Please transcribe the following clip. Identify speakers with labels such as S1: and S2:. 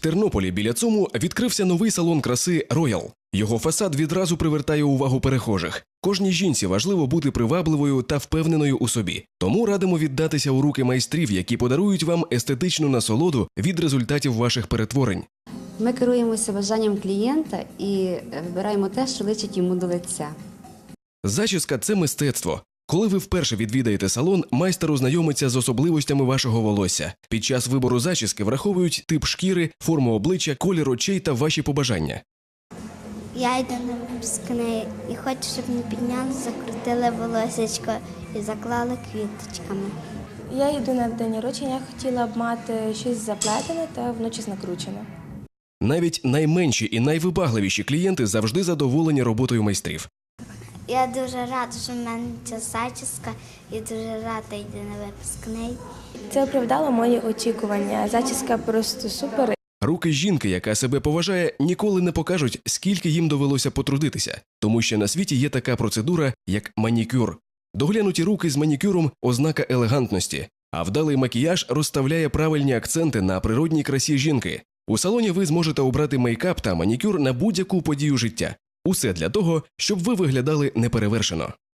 S1: Тернополі біля ЦУМу відкрився новий салон краси «Роял». Його фасад відразу привертає увагу перехожих. Кожній жінці важливо бути привабливою та впевненою у собі. Тому радимо віддатися у руки майстрів, які подарують вам естетичну насолоду від результатів ваших перетворень.
S2: Ми керуємося бажанням клієнта і вибираємо те, що личить йому до лиця.
S1: Зачіска – це мистецтво. Коли ви вперше відвідаєте салон, майстер ознайомиться з особливостями вашого волосся. Під час вибору зачіски враховують тип шкіри, форму обличчя, колір очей та ваші побажання.
S3: Я йду на випускний і хочу, щоб мені підняли, закрутили волосечко і заклали квіточками.
S4: Я йду на день народження, хотіла б мати щось заплетене та вночі накручене.
S1: Навіть найменші і найвибагливіші клієнти завжди задоволені роботою майстрів.
S3: Я дуже рада, що в мене ця зачіска, і дуже рада йти на випускний.
S4: Це оправдало мої очікування. Зачіска просто супер.
S1: Руки жінки, яка себе поважає, ніколи не покажуть, скільки їм довелося потрудитися. Тому що на світі є така процедура, як манікюр. Доглянуті руки з манікюром – ознака елегантності, а вдалий макіяж розставляє правильні акценти на природній красі жінки. У салоні ви зможете обрати мейкап та манікюр на будь-яку подію життя. Усе для того, щоб ви виглядали неперевершено.